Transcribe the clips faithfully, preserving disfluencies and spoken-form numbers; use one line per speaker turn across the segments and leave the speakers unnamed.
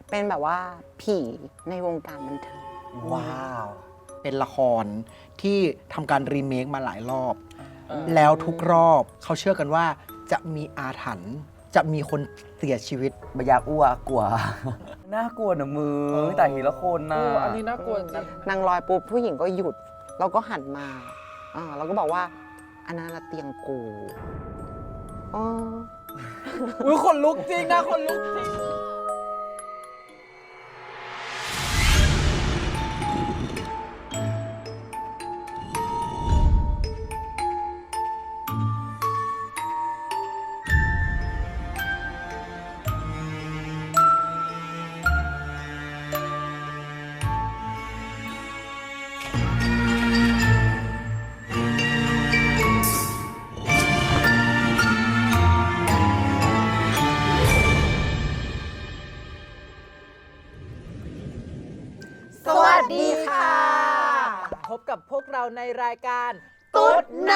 เป็นแบบว่าผีในวงการบันเทิง
ว้าว
เป็นละครที่ทำการรีเมคมาหลายรอบ แล้วทุกรอบเขาเชื่อกันว่าจะมีอาถรรพ์จะมีคนเสียชีวิต
บอยากอ้วกกลัว น่ากลัวนะมือแต่ทีละคนนะ
อันนี้น่ากลัวจริง
นางลอยปุ๊บผู้หญิงก็หยุด เราก็หันมาอ่าเราก็บอกว่าอันนั้นนะเตียงกูอ๋อ
อุ้ยคนลุกจริงนะคนลุกจริง
สวัสดีค่ะ
พบกับพวกเราในรายการ
ตุ๊ดไน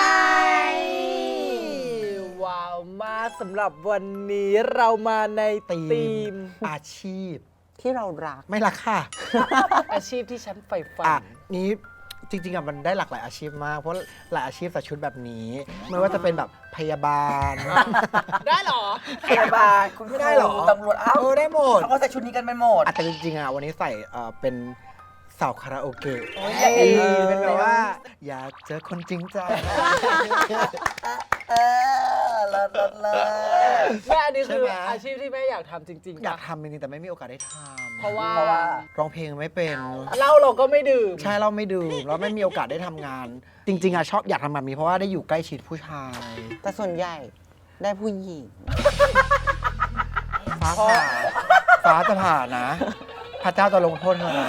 ว้าวมากสำหรับวันนี้เรามาใน
ธีม
ธีม
อาชีพ
ที่เรารัก
ไม่ละค่ะ
อาชีพที่ฉันใฝ่ฝั
อ่ะ
น
นี้จริงๆอ่ะมันได้หลากหลายอาชีพมาก เพราะหลายอาชีพใส่ชุดแบบนี้ ไม่ว่าจะเป็นแบบพยาบาล
ได้เหรอ
พยาบาลคุณ
ไม่ได้เหรอ
ตำรวจเอ้า
เออได้หมด
เขาก็ใส่ชุดนี้กันไปหมด
อ่ะแต่จริงๆอ่ะวันนี้ใส่เอ่อเป็นสาวคาราโอเกะ
โอ้ย
เออเป็นแบบว่า อยากเจอคนจริงใจ
เออเลิศเลิศเลิศ
แม่อันนี้คือ
ใช่ไหม
อาชีพที่แม่อยากทำจริงๆ
อยาก
ปะ
ทำจริงๆแต่ไม่มีโอกาสได้ทำ
เพราะว่า
เพราะว่า
ร้องเพลงไม่เป็น
เหล้าเราก็ไม่ดื่ม
ใช่เราไม่ดื่มเราไม่มีโอกาสได้ทำงาน จริงๆอ่ะชอบอยากทำแบบนี้เพราะว่าได้อยู่ใกล้ชิดผู้ชาย
แต่ส่วนใหญ่ได้ผู้หญิง
ฟ้าผ่าฟ้าจะผ่านะ พระเจ้าจะลงโทษเธอนะ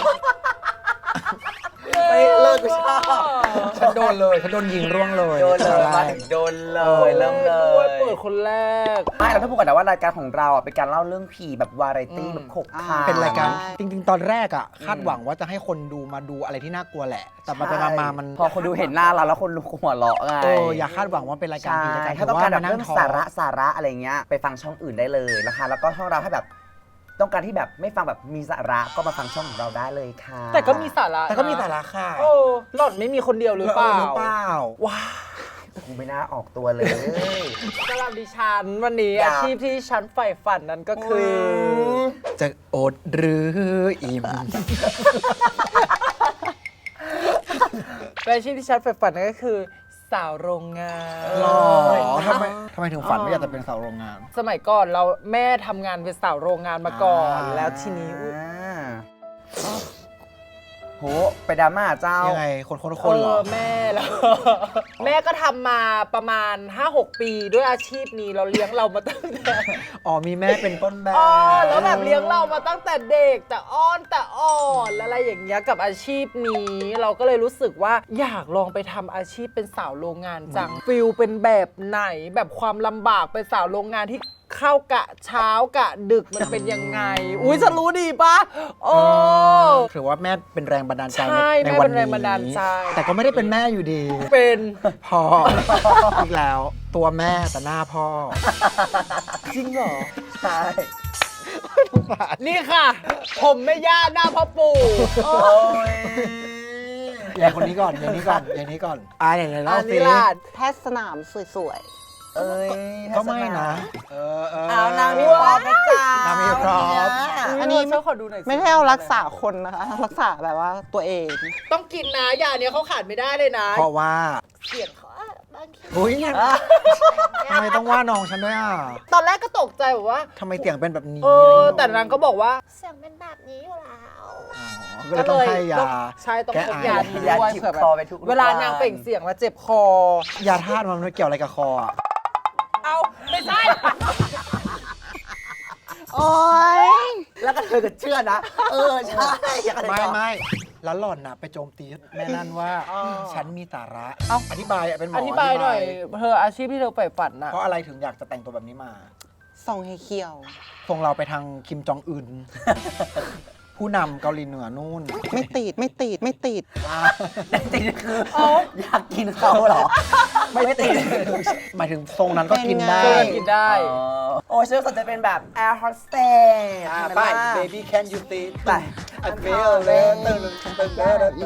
ไม่เลิกกูชอบ
ฉันโดนเลยฉันโดนยิงร่วงเลย
โดนเลยมาถึงโดนเลยเริ่มเล
ด้วย
ย
เปิดคนแรก
ไม่เราต้องพูดก่อนนะว่ารายการของเราอ่ะเป็นการเล่าเรื่องผีแบบวาไรตี้แบบขบขาว
เป็นรายการจริงๆ ตอนแรกอ่ะคาดหวังว่าจะให้คนดูมาดูอะไรที่น่ากลัวแหละ แต่ไปๆมาๆมัน
พอคนดูเห็นหน้าเราแล้วคนดูหัวเราะไง
เอออย่าคาดหวังว่าเป็นรายการ
ใช่
ผีรายการ
ถ้าต้องการแบบ
นั่
เรื่อง
ท้อ
สาระสาระอะไรเงี้ยไปฟังช่องอื่นได้เลยนะคะแล้วก็ช่องเราถ้าแบบต้องการที่แบบไม่ฟังแบบมีสาระก็มาฟังช่องของเราได้เลยค่ะ
แต่ก็มีสาระ
แต่ก็มี
นะ
สาระค่ะ
โอ้หล่อนไม่มีคนเดียวหรือเปล่า
หรือเปล่าว้า
กูไม่น่าออกตัวเลย
สำหรับดิฉันวันนี้
อยาก
อาชีพที่ฉันใฝ่ฝันนั้นก็คือ
จะอดหรืออิ่ม
เป็นอาชีพที่ฉันใฝ่ฝันนั่นก็คือ สาวโรงงาน
หรอทำไมทำไมถึงฝันว่าอยากจะเป็นสาวโรงงาน
สมัยก่อนเราแม่ทำงานเป็นสาวโรงงานมาก่อน
อ่า
แล้วทีนี้อุ๊ย
อ่าโหไปดราม่าเจ้า
ยังไงคนคนคนเหรอ
เออแม่แล้ว แม่ก็ทำมาประมาณ ห้าหก ปีด้วยอาชีพนี้เราเลี้ยงเรามาตั้งแต่
อ๋อมีแม่เป็นต้นแบบ
อ๋อแล้วแบบเลี้ยงเรามาตั้งแต่เด็กแต่อ้อนแต่อ่อนอะไรอย่างเงี้ยกับอาชีพนี้ เราก็เลยรู้สึกว่าอยากลองไปทำอาชีพเป็นสาวโรงงานจังฟิลเป็นแบบไหนแบบความลำบากเป็นสาวโรงงานที่เข้ากะเช้ากะดึกมันเป็นยังไง อุ้ยฉันรู้ดีปะโอ้
ถือว่าแม่เป็นแรงบันดาลใจ
ใช่
ใน
แม่
วั
เป็น นแรงบันดาลใจ
แต่ก็ไม่ได้เป็นแม่อยู่ดี
เป็น
พอ อีกแล้ว ตัวแม่แต่หน้าพ่อ
จริงเหรอ
ใช่
นี่ค่ะ ผมแม่ย่าหน้าพ่อปู่
โอ้ย
อย่างคนนี้ก่อน อย่างนี้ก่อน อย่างนี้ก่อน อ่าไหนๆเล่า
อัน
สิ
นี้ล่ะ
แพทย์สนามสวย
เอ้ย
ก็ไม่นะ เออเออ
เอานางมีพร้อมนะจ๊ะ
นางมีพร้อม
อันนี้
เจ้าขอดูหน่อยสิ
ๆ ไม่ใช่เอารักษาคนนะคะ รักษาแบบว่าตัวเอง
ต้องกินนะยาเนี้ยเขาขาดไม่ได้เลยนะ
เพราะว่า
เสียงเขาอะบางที
อุ้ยทำไมต้องว่าน้องฉันด้วยอ่ะ
ตอนแรกก็ตกใจแบบว่า
ทำไมเสียงเป็นแบบนี้
เออ แต่นางก็บอกว่า
เสียงเป็นแบบนี้อยู่แล้ว
อ๋อก็เลยต้องให้ยา
ใช่ต้อง
แก้
พก
ไอ
ยานี้
ยา
ด้วย
จิบ
เผื่อแบ
คอบ ไปทุก
เวลานางเปล่งเสียงแล้วเจ็บคอ
ยาธาตุมันไม่เกี่ยวอะไรกับคออ่ะ
เอาไม่ใช่
โอ๊ย
แล้วก็เธอก็เชื่อนะ เออ ใช่อยากอะไร
ไม่
ต่อ
ไม่แล้วหล่อนน่ะไปโจมตีแม่นั่นว่า
อ๋อ
ฉันมีสาระ เอ้าอธิบายอ่ะเป็นหมอ
อ
อ
ธิบายหน่อยเธออาชีพที่เธอใฝ่ฝันน่ะ
เพราะอะไรถึงอยากจะแต่งตัวแบบนี้มา
ส่องให้เขียว
ส่งเราไปทางคิมจองอึนผู้นำเกาหลีเหนือนู่น
ไม่ติดไม่ติดไม่ติด
แต่จริงๆคืออยากกินเขาเหรอ ไม่ไม่ติด
หมายถึงทรงนั้นก็กินได้
เป็นไง
เกินกินได้
อ๋อโอ้ยฉันสนใจเป็นแบบ air hostess
อ่า
ใช่หม
ไป
ล่ะ
baby can you see
ไป
I feel it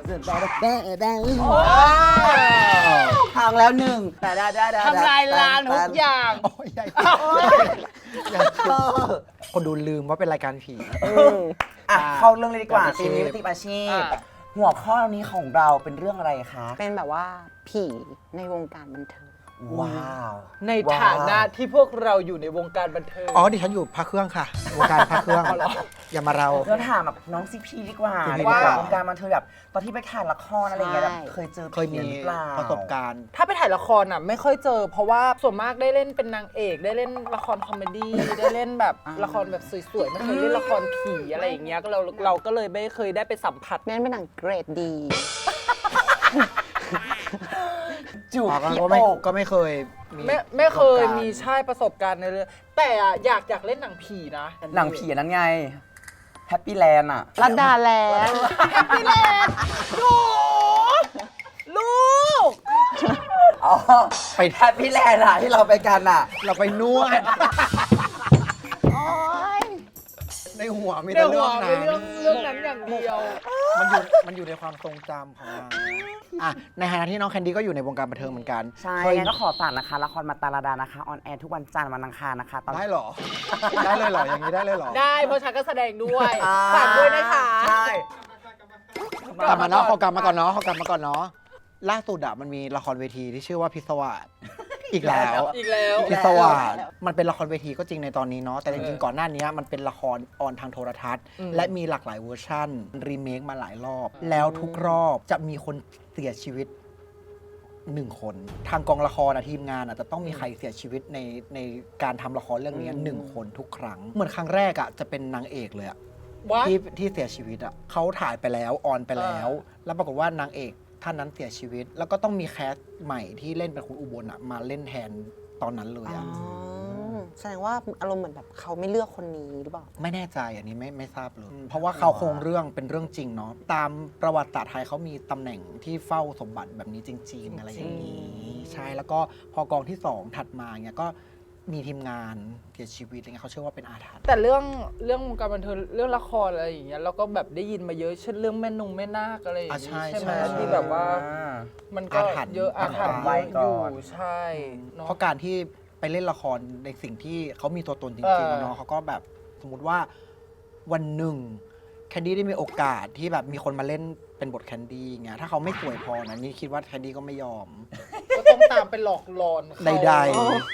ทางแล้วหนึ่งแต่ได้ได้ได้
ทำลายล้างทุกอย่าง
โอ้ยใหญ่ใหญ่คนดูลืมว่าเป็นรายการผี
อ่ะเข้าเรื่องเลยดีกว่า
อาชี
ที
พ
มนี้เป็นทีมอาชีพ
อ่ะ
หัวข้อนี้ของเราเป็นเรื่องอะไรคะ
เป็นแบบว่าผีในวงการบันเทิง
ว้าว
ในฐานะที่พวกเราอยู่ในวงการบันเทิง
อ๋อดิฉันอยู่พระเครื่องค่ะวงการพระเครื่องอย่ามาเรา
เราถามแบบน้องซีพีดีกว่า
ซีพี
ว่า
ดีกว่า
วงการบันเทิงแบบตอนที่ไปถ่ายละครอะไรอย่างเงี้ย
ใช่
แบบเคยเจอ
เคยมี
ผีหรือเปล่า
ประสบการณ์
ถ้าไปถ่ายละครอ่ะไม่ค่อยเจอ เพราะว่าส่วนมากได้เล่นเป็นนางเอก ได้เล่นละครคอมเมดี้ ได้เล่นแบบละครแบบสวยๆ ไม่เคยเล่นละครผีอะไรอย่างเงี้ยก็เราเราก็เลยไม่เคยได้ไปสัมผัส
นั่นเป็นหนังเกรดดี
จูบ
อ๋อ
พี่
ก็ไม่
โอก
ก็ไม่เคยมี
ไม่ไม่เคย
ประสบการณ์
มีใช่ประสบการณ์ในเรื่องแต่อะอยากอยากเล่นหนังผีนะ
หนังผีอันนั้นไงแฮปปี้แลนด์อ่ะ
รัดดาแลนด์
พี่เลนหนูลูก
อ๋อ
ไป
แฮปปี้แลนด์อ่ะที่เราไปกันอ่ะ
เราไปนวด
โอ๊ย
ในหัวมี
ใน
แต่
หั
เรื่
ว
อง
เป็นเรื่อง
นั้น
เรื่องนั้นอย่างเดียว
มันอยู่มันอยู่ในความทรงจำของเราอ่ะในฐานะที่น้องแคนดี้ก็อยู่ในวงการบันเทิงเหมือนกัน
ใช่
เคย
งั้นก็ขอฝากนะคะละครมาตาลาดานะคะออนแอร์ทุกวันจันทร์วันอังคารนะคะตอน
ได้เหรอ ได้เลยเหรอ อย่างนี้ได้เลยเหรอ
ได้เพราะฉันก็แสดงด้วย
อ่
ฝากด้วยนะคะ
ใช่
กลับมาเนาะเขากลับมาก่อนเนาะเขากลับมาก่อนเนาะล่าสุดอะมันมีละครเวทีที่ชื่อว่าพิศวาสอีกแล้ว
อีกแล้ว
พิศวาสมันเป็นละครเวทีก็จริงในตอนนี้เนาะแต่จริงๆก่อนหน้านี้มันเป็นละครออนทางโทรทัศน์
อืม
และมีหลากหลายเวอร์ชันรีเมคมาหลายรอบ แล้วทุกรอบจะมีคนเสียชีวิตหนึ่งคน ทางกองละครอะทีมงานอะจะต้องมีใครเสียชีวิตในในการทำละครเรื่องนี้หนึ่งคนทุกครั้ง เหมือนครั้งแรกอะจะเป็นนางเอกเลยอะ
วะ
ที่ที่เสียชีวิตอ่ะเขาถ่ายไปแล้วออนไปแล้ว แล้วปรากฏว่านางเอกท่านนั้นเสียชีวิต แล้วก็ต้องมีแคสใหม่ที่เล่นเป็นคุณอุบลอ่ะมาเล่นแทนตอนนั้นเลย
อ๋อ
อ่ะ
แสดงว่าอารมณ์เหมือนแบบเขาไม่เลือกคนนี้หรือเปล่า
ไม่แน่ใจอันนี้ไม่ไม่ทราบเลยอืมเพราะว่าเขาโครงเรื่องเป็นเรื่องจริงเนาะตามประวัติศาสตร์ไทยเขามีตำแหน่งที่เฝ้าสมบัติแบบนี้จริง ๆ อะไรอย่างนี้ใช่แล้วก็พอกองที่สองถัดมาเนี่ยก็มีทีมงานเสียชีวิตอะไรเงี้ยเขาเชื่อว่าเป็นอาถรรพ์
แต่เรื่องเรื่องวงการบันเทิงเรื่องละครอะไรอย่างเงี้ยเราก็แบบได้ยินมาเยอะเช่นเรื่องแม่นงแม่นาคอะไรอย่าง
อ่ะ
งี้
ใช่
ใช่ไหม
ใช่
ที่แบบว่า
อ่า
มันก็
อาถรรพ์
เยอะอาถรรพ์
ไว้
เยอะ
ก่
อยู่
อน
ใช่เนาะ
เพราะการที่ไปเล่นละครในสิ่งที่เขามีตัวตนจ
เอ
ริง
อ
ๆเนาะเขาก็แบบสมมติว่าวันหนึ่งแคนดี้ได้มีโอกาสที่แบบมีคนมาเล่นเป็นบทแคนดี้เงี้ยถ้าเขาไม่สวยพอนะนี่คิดว่าแคนดี้ก็ไม่ยอม
ก็ต้องตามไปหลอกหลอนเขา
ใด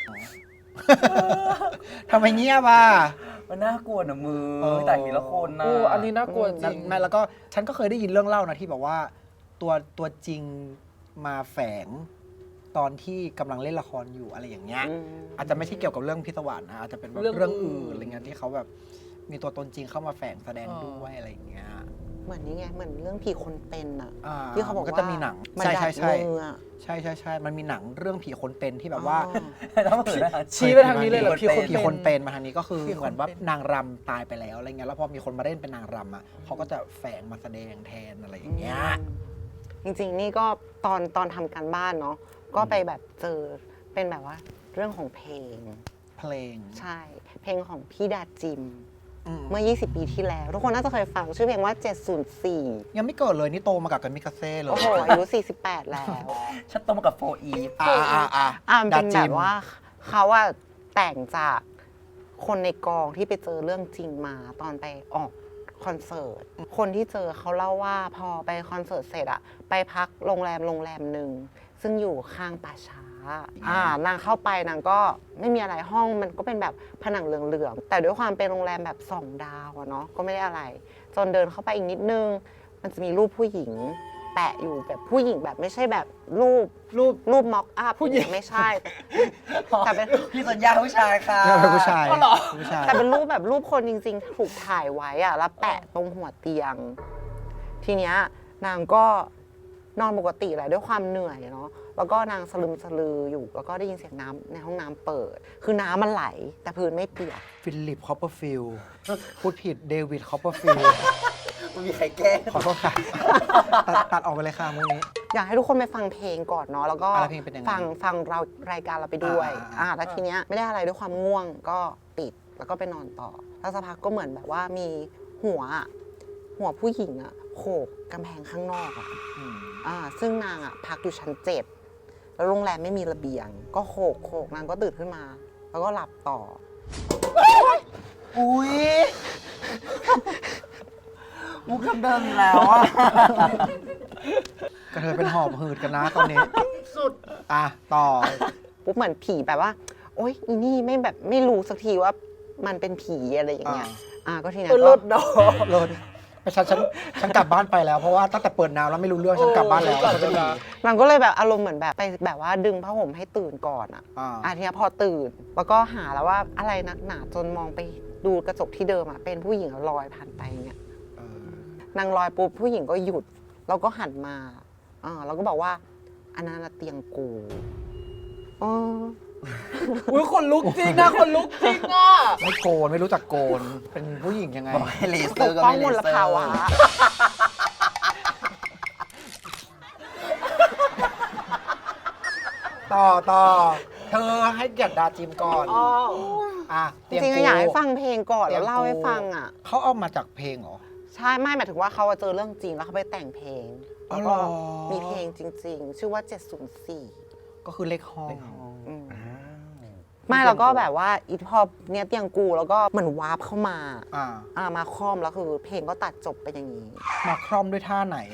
ๆทำไมเงียบอ่ะ
มันน่ากลัวนะมือ
เออ
แต่ทีละคนนะ
โอ้อันนี้น่ากลัวจริง
แม่แล้วก็ฉันก็เคยได้ยินเรื่องเล่านะที่แบบว่าตัวตัวจริงมาแฝงตอนที่กำลังเล่นละครอยู่อะไรอย่างเงี้ย
อืม
อาจจะไม่ใช่เกี่ยวกับเรื่องพิศวาสนะอาจจะเป็นแบบ
เรื่อง
เรื่อง
อื่
อื่
น
นอะไรเงี้ยที่เขาแบบมีตัวตนจริงเข้ามาแฝงแสดงด้วยอะไรอย่างเงี้ย
เหมือนนี่ไง เหมือนเรื่องผีคนเป็นอะ
อ่า
ที่เขาบอก
มันก็
ว่า
จะมีหนัง
มัน
ใช่
ดั
ใช่
ด
ใช่
มืออะ
ใช่ใช่ใช่มันมีหนังเรื่องผีคนเป็นที่แบบว่า
อ๋อ
ต้องเปิดนะ
ชี้ไปทางนี้เลยเหรอ
ผี
พี่
คน
คน
ผีคนเป็นมาทางนี้ก็คือ
ผีคน
เหมือนว่า
เป็น
นางรำตายไปแล้วอะไรเงี้ยแล้วพอมีคนมาเล่นเป็นนางรำอ่ะเขาก็จะแฝงมาแสดงแทนอะไรอย่างเงี้ย
จริงๆ นี่ก็ตอนตอนทำการบ้านเนาะก็ไปแบบเจอเป็นแบบว่าเรื่องของเพลง
เพลง
ใช่ เพลงของพี่ดาจิม
อืม
เมื่อ ยี่สิบ ปีที่แล้ว ทุกคนน่าจะเคยฟังชื่อเพลงว่า เจ็ดศูนย์สี่
ยังไม่เกิดเลยนี่โตมากับกันมิกาเซ่เลย
โอ้โห อายุ สี่สิบแปด แล้ว
ฉันโตมากับโฟอีฟ
อ่าอ่าอ่า
อ่ามันเป็น
ดา
แบ
จิ
บ
ม
ว่าเขาอะแต่งจากคนในกองที่ไปเจอเรื่องจริงมาตอนไปออกคอนเสิร์ต คนที่เจอเขาเล่าว่าพอไปคอนเสิร์ตเสร็จอะไปพักโรงแรมโรงแรมหนึ่งซึ่งอยู่ข้างป่าช้าอ่านางเข้าไปนางก็ไม่มีอะไรห้องมันก็เป็นแบบผนังเหลืองๆแต่ด้วยความเป็นโรงแรมแบบสองดาวอะเนาะก็ไม่ได้อะไร จนเดินเข้าไปอีกนิดนึง มันจะมีรูปผู้หญิงแปะอยู่แบบผู้หญิงแบบไม่ใช่แบบรูปรูปรูปม็อกอัพผู้หญิงไม่ใช่ แต่เป็น
พี่สัญญาผู้ชายค่ะ
เนี่ยเป็นผู้ชาย
อ๋อเหรอ
ผู้ชาย
แต่เป็นรูปแบบรูปคนจริงๆ ถูกถ่ายไว้อะแล้วแปะตรงหัวเตียง ทีเนี้ยนางก็นอนปกติแหละด้วยความเหนื่อยเนาะแล้วก็นางสลึมสลืออยู่ แล้วก็ได้ยินเสียงน้ำในห้องน้ำเปิด คือน้ำมันไหล แต่พื้นไม่เปียก
ฟิลิปคอปเปอร์ฟิลด์พูดผิดเดวิดคอปเปอร์ฟิลด์
มันมีใครแก้
ขอโทษค่ะ ตัดตัดออกไปเลยค่ะมุกนี้
อยากให้ทุกคนไปฟังเพลงก่อนเนาะ แล้วก็
อ่ะแล้วเพลงเป็นยังไง
ฟังฟังเรารายการเราไปด้วย
อ่า
อ่าแล้วทีเนี้ยไม่ได้อะไรด้วยความง่วงก็ปิด แล้วก็ไปนอนต่อ แล้วสักพักก็เหมือนแบบว่ามีหัวอะหัวผู้หญิงอะโขกกำแพงข้างนอกอะ
อืม
อ่าซึ่งนางอะพักอยู่ชั้นเจ็ดแล้วโรงแรมไม่มีระเบียง ก็โขกโขกนางก็ตื่นขึ้นมา แล้วก็หลับต่อ
อุ้ยมุกเดิมๆอีกแล้วอ่ะ
กระเทยเป็นหอบหืดกันนะตอนนี้
สุด
อ่ะ ต่อ
ปุ๊บเหมือนผีแบบว่า โอ๊ยอีนี่ไม่แบบไม่รู้สักทีว่ามันเป็นผีอะไรอย่างเงี้ย
อ่า
อ่าก็ทีนี้
เออ
ก็
เลิศดอก
โลดฉันฉันฉันกลับบ้านไปแล้ว เพราะว่าตั้งแต่เปิดน้ำแล้วไม่รู้เรื่อง ฉันกลับบ้านแล้ว
โอ้
ฉันจะดี
นางก็เลยแบบอารมณ์เหมือนแบบไปแบบว่าดึงผ้าห่มให้ตื่นก่อนอ่ะ
อ่า
อ่ะทีนี้พอตื่น แล้วก็หาแล้วว่าอะไรนักหนาจนมองไปดูกระจกที่เดิมอ่ะเป็นผู้หญิงลอยผ่านไปอย่างเงี้ย
เออ
นางลอยปุ๊บผู้หญิงก็หยุด แล้วก็หันมาอ่าแล้วก็บอกว่าอันนั้นนะเตียงกูอ๋อ
อุ้ยคนลุกจริงนะคนลุกจริงอ่ะ
ไม่โกน ไม่รู้จักโกน เป็นผู้หญิงยังไง
บอกให้เลเซ
ป
อร์
ก
ก็
ป้อง
ไม่เล
มล
เซอร์
ภาวะ
ต่อต่อ เธอให้เกียรติดาจิมก่อน
อ๋อ
อ่ะ
จ
เตียง
ริงๆ
กู
อยากให้ฟังเพลงก่อน
เตีย
แล้
ง
วเล่า
กู
ให้ฟังอ่ะ
เขาเอามาจากเพลงเหรอ
ใช่ไม่หมายถึงว่าเขาเจอเรื่องจริงแล้วเขาไปแต่งเพลง
อ๋อ
แล้วก็
เหรอ
มีเพลงจริง ๆ ชื่อว่า เจ็ดศูนย์สี่
ก็คือเลขห้อง
อืม
อ้าว
ไม่แล้วก็แบบว่าอีพอเนี้ยเตียงกูแล้วก็เหมือนวาร์ปเข้ามา
อ่า
อ่ามาคล่อมแล้วคือเพลงก็ตัดจบไปอย่างนี้
มาคร่อมด้วยท่าไหน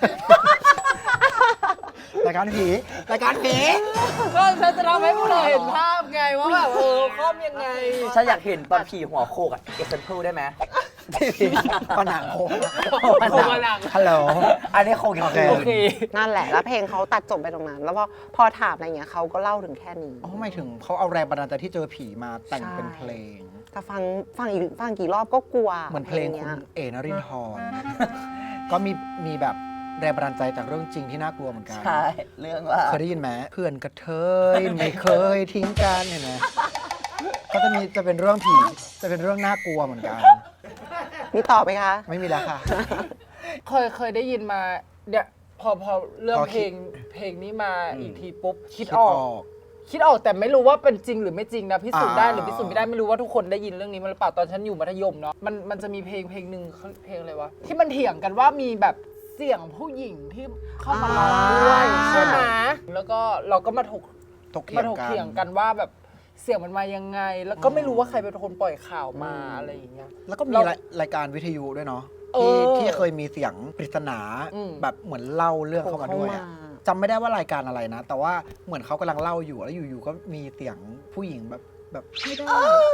รายการผี รายการผี
ก็ฉันจะทำให้พวกเราเห็นภาพไงว่าแบบเออคอมยังไง
ฉันอยากเห็นตอนผีหัวโคกอ่ะเอ็กเซนเพิลได้ไหม
ผนังโค้ง
โคกผนัง
ฮัลโหล
อันนี้โคก
โอเค
โอเค
นั่นแหละแล้วเพลงเขาตัดจบไปตรงนั้น แล้วพอพอถามอะไรเงี้ยเขาก็เล่าถึงแค่นี้
อ๋อหมายถึงเขาเอาแรงบันดาลใจที่เจอผีมาแต่ง
ใช่
เป็นเพลง
แต่ฟังฟังอีกฟังกี่รอบก็กลัว
เหมือนเพลง
นี้
คุณ
ย
เอนรินทร์ก็มีมีแบบแรงบันดาลใจจากเรื่องจริงที่น่ากลัวเหมือนกัน
ใช่เรื่องว่า
เคยได้ยินไหมเพื่อนกระเทยไม่เคยทิ้งกันเห็นไหมก็จะมีจะเป็นเรื่องผีจะเป็นเรื่องน่ากลัวเหมือนกัน
มีต่อไหมคะ
ไม่มีแล้วค่ะ
เคยเคยได้ยินมาเนี่ยพอพอเรื่อง
พอ
เพ
คิ
ล
ด
งเพลงนี้มาอีกทีปุ๊บ คิด
คิด
อ
อ
อก
อก
คิดออกแต่ไม่รู้ว่าเป็นจริงหรือไม่จริงนะพิสูจน์ได้
อ่า
หรือพิสูจน์ไม่ได้ไม่รู้ว่าทุกคนได้ยินเรื่องนี้มาหรือเปล่าตอนฉันอยู่มัธยมเนาะมันมันจะมีเพลงเพลงหนึ่งเขาเพลงอะไรวะที่มันเถียงกันว่ามีแบบเสียงผู้หญิงที่เข้ามาร้องด้วย
อ่า
ใช่ไหมแล้วก็เราก็มาถก
ตกเถี
มาย
ง
ถก
กั
เถียง
น
กันว่าแบบเสียงมันมายังไง แล้วก็ไม่รู้ว่าใครเป็นคนปล่อยข่าวมาอะไรอย่างเงี้ย
แล้วก็มี
เรา
รายรายการวิทยุด้วยเนาะ
เอ
ที่
อ
ที่เคยมีเสียงปริศนา
อืม
แบบเหมือนเล่าเรื่องเข้ามาด้วยอะ
เข้ามา
จำไม่ได้ว่ารายการอะไรนะ แต่ว่าเหมือนเขากำลังเล่าอยู่แล้วอยู่ๆก็มีเสียงผู้หญิงแบบแบบไม่ได้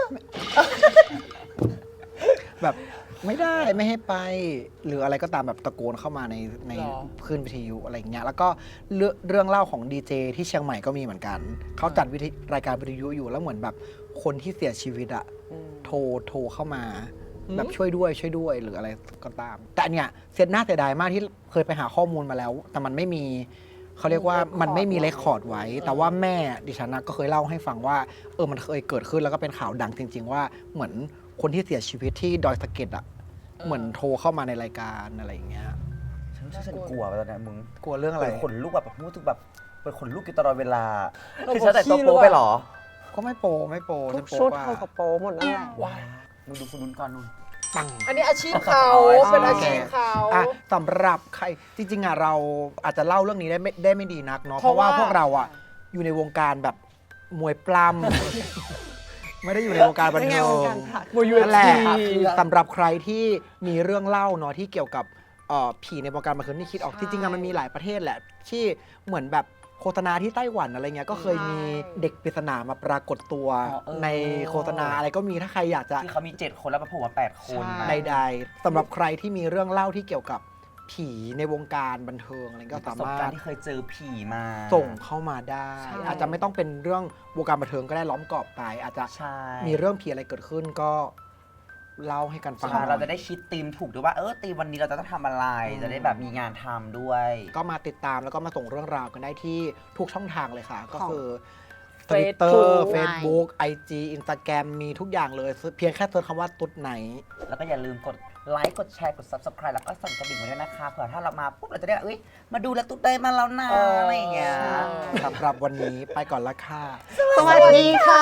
แบบไม่ได้ไม่ให้ไป หรืออะไรก็ตามแบบตะโกนเข้ามาในใน
หรอ
คลื่นวิทยุอะไรอย่างเงี้ยแล้วก็เรื่องเรื่องเล่าของดีเจที่เชียงใหม่ก็มีเหมือนกันเขาจัดวิทยรายการวิทยุอยู่แล้วเหมือนแบบคนที่เสียชีวิตอะ
อืม
โทรโทรเข้ามา
อืม
แบบช่วยด้วยช่วยด้วยหรืออะไรก็ตาม แต่อันเนี้ยเสียหน้าเสียดายมากที่เคยไปหาข้อมูลมาแล้ว แต่มันไม่มีเขาเรียกว่ามันไม่มีเรคคอร์ดไว้ แต่ว่าแม่ดิฉันนะก็เคยเล่าให้ฟังว่าเออมันเคยเกิดขึ้นแล้วก็เป็นข่าวดังจริง ๆ ว่าเหมือนคนที่เสียชีวิตที่ดอยสะเก็ดอ่ะเหมือนโทรเข้ามาในรายการอะไรอย่างเงี้ย
ฉันรู้สึกฉันกลัวไปตอนนี้มึง
กลัวเรื่องอะไร
เป็นขนลุกแบบรู้สึกแบบเป็นขนลุกอยู่ตลอดเวลา
เรา
คือฉันแต่งตัว
ขี้
โป๊
หรือเปล่า
ไปเหรอ
ก็ไม่โปไม่โป
ทุ
ฉั
ก
นโป
ชุด
กว่า
เขากระโปรงหมดนั่นแหละ
ว้าย
มึงดูคนนู้นก่อนนู่น
ปัง
อันนี้อาชีพเขา
อ๋อ
เป็นอาชีพเขา
อ่ะสำหรับใครจริงๆอ่ะเราอาจจะเล่าเรื่องนี้ได้ไม่ได้ไม่ดีนักเนาะเพ
เพราะ
ราะว่า
ว่า
พวกเราอ่ะอยู่ในวงการแบบมวยปล้ำ ไม่ได้อยู่ในวงการบัน
ไม่ไง
เทิ
วง
ง
การผัก
มวยยู
นั่นแหละ
เอฟซี
สำหรับใครที่มีเรื่องเล่าเนาะที่เกี่ยวกับเอ่อผีในวงการบันเทิงนี่คิดออก
ใช่
จริงๆอะมันมีหลายประเทศแหละ ที่เหมือนแบบโฆษณาที่ไต้หวันอะไรเงี้ยก็เคยมี
ใช่
เด็กปริศนามาปรากฏตัว
อ๋อเออ
ในโฆษณาอะไรก็มีถ้าใครอยากจะ
ที่เขามีเจ็ดคนแล้วมาโผล่มาแปดคน
ใช่
ใดๆสำหรับใครที่มีเรื่องเล่าที่เกี่ยวกับผีในวงการบันเทิงอะไรก็
ป
สา
ระสบ
มาร
การ
ถ
ณ์ที่เคยเจอผีมา
ส่งเข้ามาได้
ใช่
อาจจะไม่ต้องเป็นเรื่องวงการบันเทิงก็ได้ล้อมกรอบไป อาจจะ
ใช่
มีเรื่องผีอะไรเกิดขึ้นก็เล่าให้กันฟัง
ใช่เราจะได้คิดธีมถูกด้วยว่าเออธีมวันนี้เราจะต้องทำอะไร จะได้แบบมีงานทำด้วย
ก็มาติดตามแล้วก็มาส่งเรื่องราวกันได้ที่ทุกช่องทางเลยค่ะ ก็คือ
Facebook
Twitter Facebook ไอ จี Instagram มีทุกอย่างเลย เพียงแค่เซิร์ชคำว่าตุ๊ดไหน
แล้วก็อย่าลืมกดไลค์กดแชร์กด Subscribe แล้วก็สั่นกระดิ่งไว้ด้วยนะคะเผื่อถ้าเรามาปุ๊บเราจะได้เอ้ยมาดูแลตุ๊ดได้มาแล้วนะอะไรอย่างเงี้ย
สำหรับวันนี้ไปก่อนละค่ะ
สวัสดีค่ะ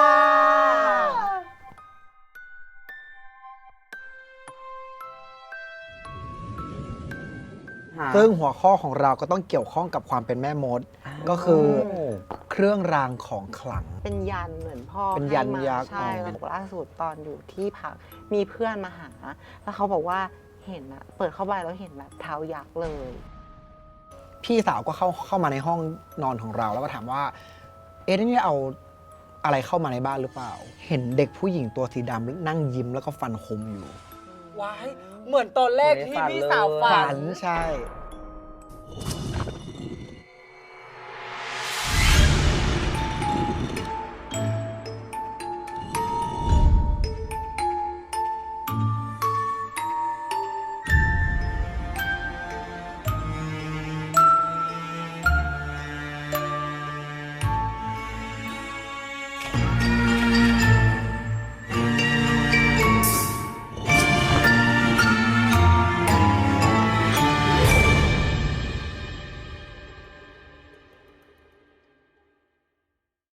ซึ่งหัวข้อของเราก็ต้องเกี่ยวข้องกับความเป็นแม่มด ก็คือเครื่องรางของขลัง
เป็นยันเหมือนพ่อ
เป็นยัน
ให้มา
ยักษ์
ใช่
อ๋อ
แล้วบอกล่าสุดตอนอยู่ที่พักมีเพื่อนมาหา แล้วเขาบอกว่าเห็นอะเปิดเข้าไปแล้วเห็นแบบเท้ายักษ์เลย
พี่สาวก็เข้าเข้ามาในห้องนอนของเราแล้วก็ถามว่า เอ๊ะนี่เอาอะไรเข้ามาในบ้านหรือเปล่า เห็นเด็กผู้หญิงตัวสีดำนั่งยิ้มแล้วก็ฟันคมอยู่
ว้ายเหมือนตอนแรกที่พี่สาวฝั
ฝั
น
นใช่